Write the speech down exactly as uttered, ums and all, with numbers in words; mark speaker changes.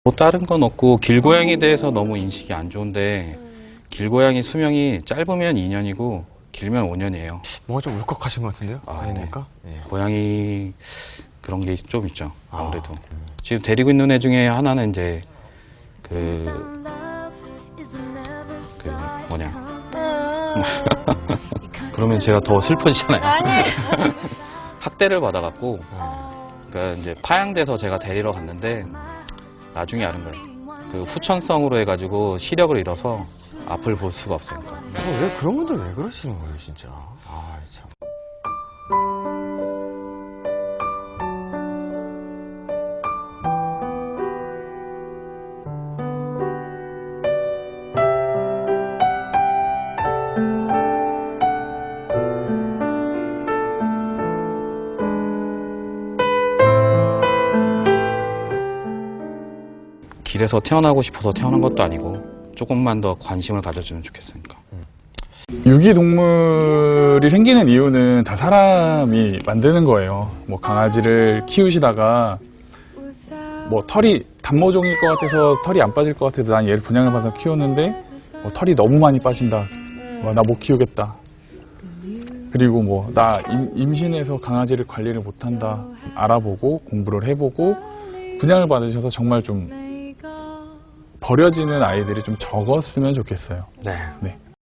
Speaker 1: 뭐 다른 건 없고 길고양이에 대해서 너무 인식이 안 좋은데 길고양이 수명이 짧으면 이 년이고 길면 오 년이에요.
Speaker 2: 뭔가 좀 울컥하신 것 같은데요?
Speaker 1: 아,
Speaker 2: 아닙니까? 네.
Speaker 1: 고양이 그런 게 좀 있죠. 아무래도.
Speaker 2: 아, 음.
Speaker 1: 지금 데리고 있는 애 중에 하나는 이제 그, 그 뭐냐. 그러면 제가 더 슬퍼지잖아요.
Speaker 3: 아니.
Speaker 1: 학대를 받아갖고
Speaker 3: 어.
Speaker 1: 그러니까 이제 파양돼서 제가 데리러 갔는데 나중에 아는 거예요. 그 후천성으로 해가지고 시력을 잃어서 앞을 볼 수가 없어요. 그러니까.
Speaker 2: 어, 왜 그런 분들 왜 그러시는 거예요, 진짜? 아, 참.
Speaker 1: 길에서 태어나고 싶어서 태어난 것도 아니고 조금만 더 관심을 가져주면 좋겠으니까.
Speaker 4: 유기동물이 생기는 이유는 다 사람이 만드는 거예요. 뭐 강아지를 키우시다가 뭐 털이 단모종일 것 같아서 털이 안 빠질 것 같아서 난 얘를 분양을 받아서 키웠는데 뭐 털이 너무 많이 빠진다. 나 못 키우겠다. 그리고 뭐 나 임신해서 강아지를 관리를 못한다. 알아보고 공부를 해보고 분양을 받으셔서 정말 좀 버려지는 아이들이 좀 적었으면 좋겠어요.
Speaker 2: 네.
Speaker 4: 네.